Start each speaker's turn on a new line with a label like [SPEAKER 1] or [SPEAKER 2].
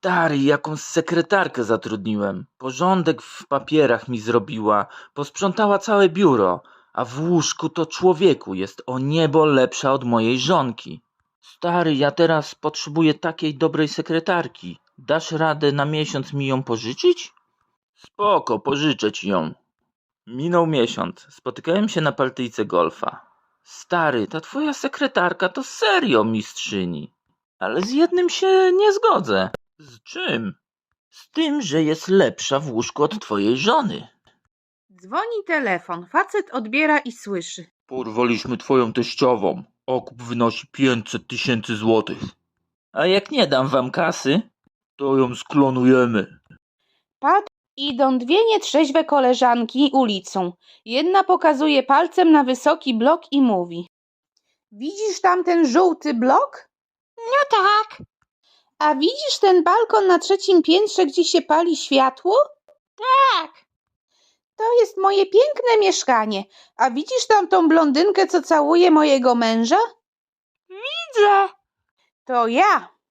[SPEAKER 1] Stary, jakąś sekretarkę zatrudniłem. Porządek w papierach mi zrobiła, posprzątała całe biuro, a w łóżku to człowieku jest o niebo lepsza od mojej żonki. Stary, ja teraz potrzebuję takiej dobrej sekretarki. Dasz radę na miesiąc mi ją pożyczyć? Spoko, pożyczę ci ją. Minął miesiąc. Spotykałem się na partyjce golfa. Stary, ta twoja sekretarka to serio mistrzyni. Ale z jednym się nie zgodzę. Z czym? Z tym, że jest lepsza w łóżku od twojej żony.
[SPEAKER 2] Dzwoni telefon. Facet odbiera i słyszy.
[SPEAKER 1] Porwaliśmy twoją teściową. Okup wynosi 500 000 złotych. A jak nie dam wam kasy, to ją sklonujemy.
[SPEAKER 2] Idą dwie nietrzeźwe koleżanki ulicą. Jedna pokazuje palcem na wysoki blok i mówi. Widzisz tam ten żółty blok? No tak. A widzisz ten balkon na 3. piętrze, gdzie się pali światło? Tak. To jest moje piękne mieszkanie. A widzisz tam tą blondynkę, co całuje mojego męża? Widzę. To ja.